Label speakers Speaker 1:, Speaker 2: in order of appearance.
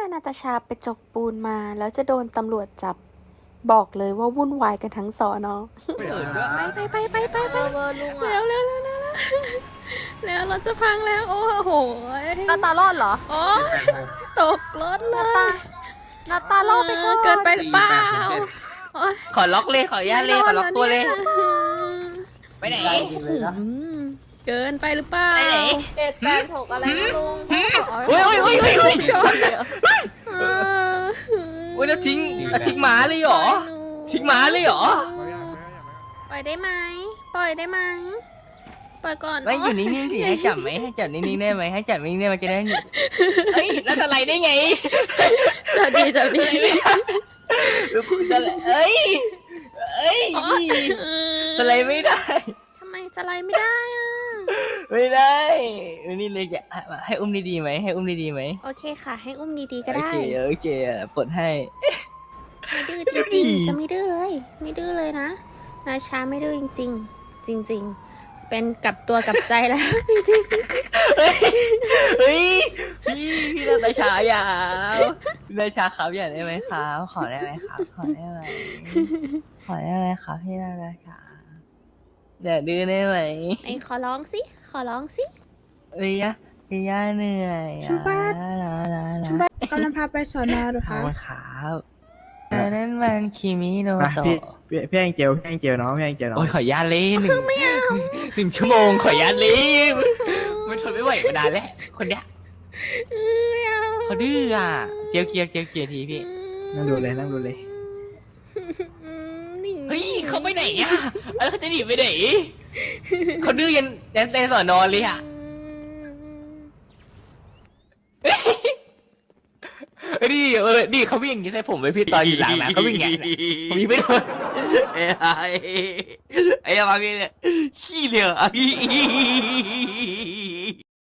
Speaker 1: นาตาชาไปจกปูนมาแล้วจะโดนตำรวจจับบอกเลยว่าวุ่นวายกันทั้งสอนอไป
Speaker 2: ลุง
Speaker 1: เร็
Speaker 2: อ่ะ
Speaker 1: วแล้วเราจะพังแล้วโอ้โห
Speaker 2: นาตารอดเหรอ
Speaker 1: โอ้ตกรถเลย
Speaker 2: นาตารอดไปก่อน
Speaker 1: เกินไปหรือเปล่า
Speaker 3: ขอล็อกเลยขออนุญาตเลยขอล็อกตัวเลย ไปไหน
Speaker 1: เกินไปหรือเปล่า
Speaker 3: ไปไหน
Speaker 2: 786อะไรนะลุง
Speaker 3: โอ้ย
Speaker 1: ชน
Speaker 3: โอ้ยแล้วทิ้งหมาเลยเหรอทิ้งหมาเลยเหรอ
Speaker 1: ปล่อยได้ไหมปล่อยได้ไหมปล่อยก่อน
Speaker 3: ไม่อยู่นิ่งๆสิให้จับไหมให้จับนิ่งๆได้ไหมให้จับนิ่งๆได้ไหมจะได้เฮ้ยแล้วสไลด์ได้ไง
Speaker 1: จับดี
Speaker 3: สไลด์เอ้ยสไลด์ไม่ได้
Speaker 1: ทำไมสไลด์ไม่ได้อ่ะ
Speaker 3: ไม่ได้นี่เลยจะให้อุ้มดีๆไหมให้อุ้มดีๆไหม
Speaker 1: โอเคค่ะ ให้อุ้มดีๆก็ได้
Speaker 3: โอเคปลดให้
Speaker 1: ไม่ดื้อจริงๆจะไม่ดื้อเลย ไม่ดื้อเลยนะนาชาไม่ดื้อจริงๆ จริงๆ เป็นกลับตัวกลับใจแล้ว จริง
Speaker 3: เฮ้ยพี่นาตาชาอย่าพี่นาตาชาครับอย่าได้ไหมครับขอได้ไหมครับขอได้ไหมครับพี่นาตาชาอย่าดื้อได้ไหม
Speaker 1: ๆไอ้ขอร้องสิ
Speaker 3: เอ้ยพี่ย่าเหนื่อย
Speaker 4: ชูบ้าน
Speaker 3: นะ
Speaker 4: กำลังพาไปสอนอหรือ
Speaker 3: ขอ
Speaker 4: คะ
Speaker 3: บคุณครับแต่นั่นมันคิมิโน
Speaker 5: มา
Speaker 3: โตะ
Speaker 5: พี่แองเจลน้องพี่แองเจลน้อง
Speaker 3: โอ้ยขออนุญาตเลยหนึ่งชั่วโมงขออนุญาตเลยมันทนไม่ไหวมานานแล้วคนเนี้ยเขาดื้ออ่ะเจียวทีพี่
Speaker 5: นั่งดูเลย
Speaker 3: เฮ้ยเขาไปไหนอ่ะแล้วเขาจะหนีไปไหนเขาดื้อยันในสอนอเลยอ่ะนี่เขาวิ่งอย่างนี้ใส่ผมไปพี่ตอนอยู่หลังนะเขาวิ่งอย่างนี้ผมยิงไม่โดน
Speaker 6: ไอ้มาพี่เนี่ยขี้เหลือ